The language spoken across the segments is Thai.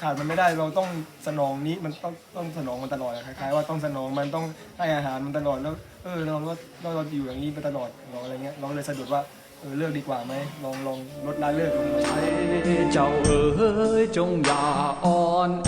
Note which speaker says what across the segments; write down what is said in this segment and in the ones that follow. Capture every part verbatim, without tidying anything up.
Speaker 1: ขาดมันไม่ได้เราต้องสนองนี้มันต้องต้องสนองมันตลอดคล้ายๆว่าต้องสนองมันต้องให้อาหารมันตลอดแล้วเออเราเราเราอยู่อย่างนี้ไปตลอดเราอะไรเงี้ยเราเลยสะดุดว่าเออเลิกดีกว่าไหมลองลองลดละเลิกลงมา
Speaker 2: เจ้าเอ๋ยจงอย่าอ่อนแอ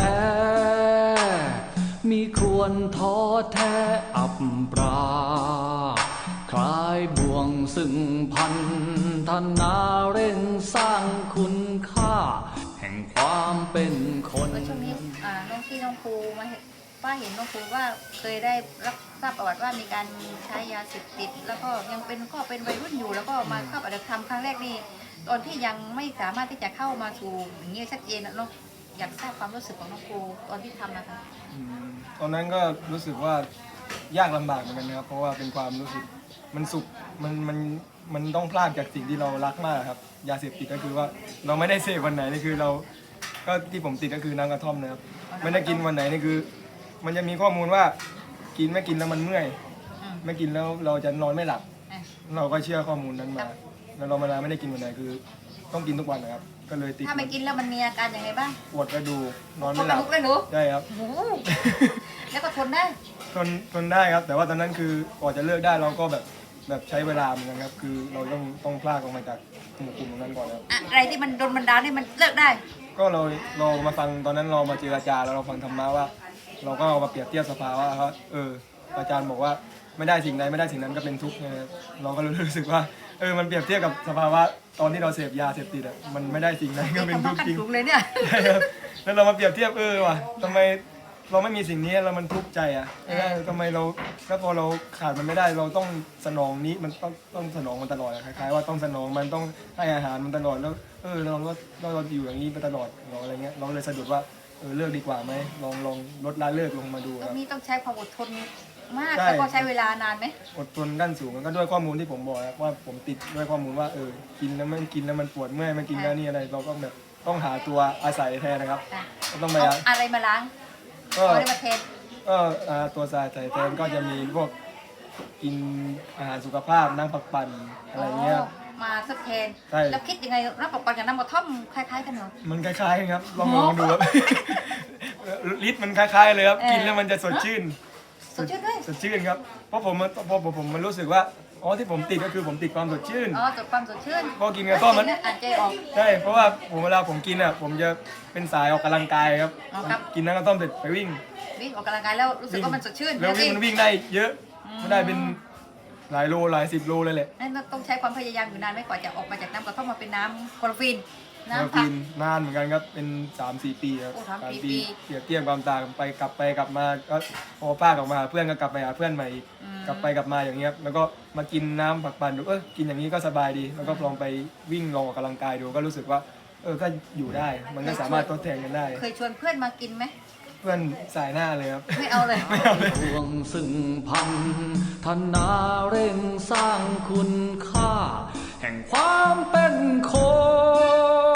Speaker 2: มีควรท้อแท้อับปราคลายบ่วงซึ่งพันธนาเร่งสร้างคุณค่าแห่งความเป็นคน
Speaker 3: ช่วงนี้อ่าน้องที่น้องครูมาเห็นป้าเห็นน้องครูว่าเคยได้รับทราบประวัติว่ามีการใช้ยาเสพติดแล้วก็ยังเป็นก็เป็นวัยรุ่นอยู่แล้วก็มาเข้าปฏิบัติธรรมครั้งแรกนี่ตอนที่ยังไม่สามารถที่จะเข้ามาสู่อย่างนี้ชัดเจนนะน้องอยากทราบความรู้สึกของน้องครูตอนที่ทำนะคะ
Speaker 1: ตอนนั้นก็รู้สึกว่ายากลำบากเหมือนกันนะครับเพราะว่าเป็นความรู้สึกมันสุขมันมันมันต้องพลาดจากสิ่งที่เรารักมากครับยาเสพติดก็คือว่าเราไม่ได้เสพวันไหนนี่คือเราก็ที่ผมติดก็คือน้ำกระท่อมนะครับไม่ได้กินวันไหนนี่คือ มันจะมีข้อมูลว่ากินไม่กินแล้วมันเมื่อยไม่กินแล้วเราจะนอนไม่หลับเราก็เชื่อข้อมูลนั้นมาแล้วเราเวลาไม่ได้กินวันไหนคือต้องกินทุกวันนะครับก็เลยติด
Speaker 3: ถ้าไม่กินแล้วมันมีอาการอย่างไรบ้าง
Speaker 1: ปวดกระดูกนอนไม่หลับ
Speaker 3: เลยหนู
Speaker 1: ใช่ครับ
Speaker 3: แล้วก็ทนได้
Speaker 1: ทนทนได้ครับแต่ว่าตอนนั้นคือก่อนจะเลิกได้เราก็แบบแบบใช้เวลาเหมือนกันครับคือเราต้องต้องพลากออกมาจากหมู่กลุ่มนั้นก่อนครับ
Speaker 3: อะไรที่มันโดนบันดาลให้มันเลิกได้
Speaker 1: ก็เราเรามาฟังตอนนั้นเรามาเจรจาแล้วเราฟังธรรมะว่าเราก็เอามาเปรียบเทียบสภาวะว่าเอออาจารย์บอกว่าไม่ได้สิ่งใดไม่ได้สิ่งนั้นก็เป็นทุกข์นะครับเราก็รู้สึกว่าเออมันเปรียบเทียบกับสภาวะตอนที่เราเสพยาเสพติดอ่ะมันไม่ได้สิ่งใดก็เป็นทุกข์จริง
Speaker 3: เลยเนี่ย
Speaker 1: ใช่ครับแล้วเรามาเปรียบเทียบเออว่ะทำไมเราไม่มีสิ่งนี้แล้วมันทุกข์ใจอ่ะเออทำไมเราแล้วพอเราขาดมันไม่ได้เราต้องสนองนี้มันต้องต้องสนองมันตลอดคล้ายๆว่าต้องสนองมันต้องให้อาหารมันตลอดแล้วเออเราเราเราอยู่อย่างนี้ไปตลอดเราอะไรเงี้ยเราเลยสะดุดว่าเออเลิกดีกว่าไหมลองลองลดละเลิกลงมาดู
Speaker 3: ต
Speaker 1: ค
Speaker 3: ร
Speaker 1: รับ
Speaker 3: งนี้ต้องใช้ความอดทนมากแล้วก็ใช้เวลานานไหม
Speaker 1: อดทนขั้นสูงก็ด้วยข้อมูลที่ผมบอกครับว่าผมติดด้วยข้อมูลว่าเออกินแล้วมันกินแล้วมันปวดเมื่อยไม่กินแล้วนี่อะไรเราก็แบบต้องหาตัวอาศัยแทนนะครับ
Speaker 3: ต้องไปอะไรมาล้างก็อะไรมาเทน
Speaker 1: ก็ตัวสายใส่แทนก็จะมีพวกกินอาหารสุขภาพนั่งพักปั่นอะไรเงี้ย
Speaker 3: มาสักแทนแล้วคิดยังไงน้ำปักปันกับน้ำกระท่อมคล้ายๆกันเหรอ
Speaker 1: มันคล้ายๆกันครับลองลองดูครับลิตรมันคล้ายๆเลยครับกินแล้วมันจะสดชื่น
Speaker 3: สดชื่นด้วย
Speaker 1: สดชื่นครับเพราะผมพอผมมันรู้สึกว่าอ๋อที่ผมติดก็คือผมติดความสดชื่น
Speaker 3: อ๋อติดความสดชื่น
Speaker 1: พอกินกระท่อมมัน
Speaker 3: อ่านใจออก
Speaker 1: ใช่เพราะว่าผมเวลาผมกินอ่ะผมจะเป็นสายออกกำลังกายครับกินน้ำกระท่อมเสร็จไปวิ่ง
Speaker 3: วิ่งออกกำลังกายแล้วรู้สึกว่ามันสดชื่น
Speaker 1: แล้ววิ่งมันวิ่งได้เยอะมันได้เป็นหลายโลหลายสิบโลเลยแหละ
Speaker 3: นั่นต้องใช้ความพยายามอยู่นานไม่กว่าจะออกมาจากน้ำกระท่อมมาเป็นน้ำคลอโรฟิน
Speaker 1: น้ำผักนานเหมือนกันครับเป็น สามสี่ ปีครับ
Speaker 3: สามปี
Speaker 1: เปรียบเทียบความต่างไปกลับไปกลับมาก็พอป้ากลับมาเพื่อนก็กลับไปหาเพื่อนใหม่กลับไปกลับมาอย่างเงี้ยแล้วก็มากินน้ำผักปั่นดูเออกินอย่างนี้ก็สบายดีแล้วก็ลองไปวิ่งลองออกกำลังกายดูก็รู้สึกว่าเออก็อยู่ได้มันก็สามารถทดแทนกันได้
Speaker 3: เคยชวนเพื่อนมากินไหม
Speaker 1: เพื่อนสายหน้าเลยครับ
Speaker 3: ไม่เอาเลย
Speaker 1: ไม่เอาเลย
Speaker 2: ดวงซึ่งพันธนาเร่งสร้างคุณค่าแห่งความเป็นคน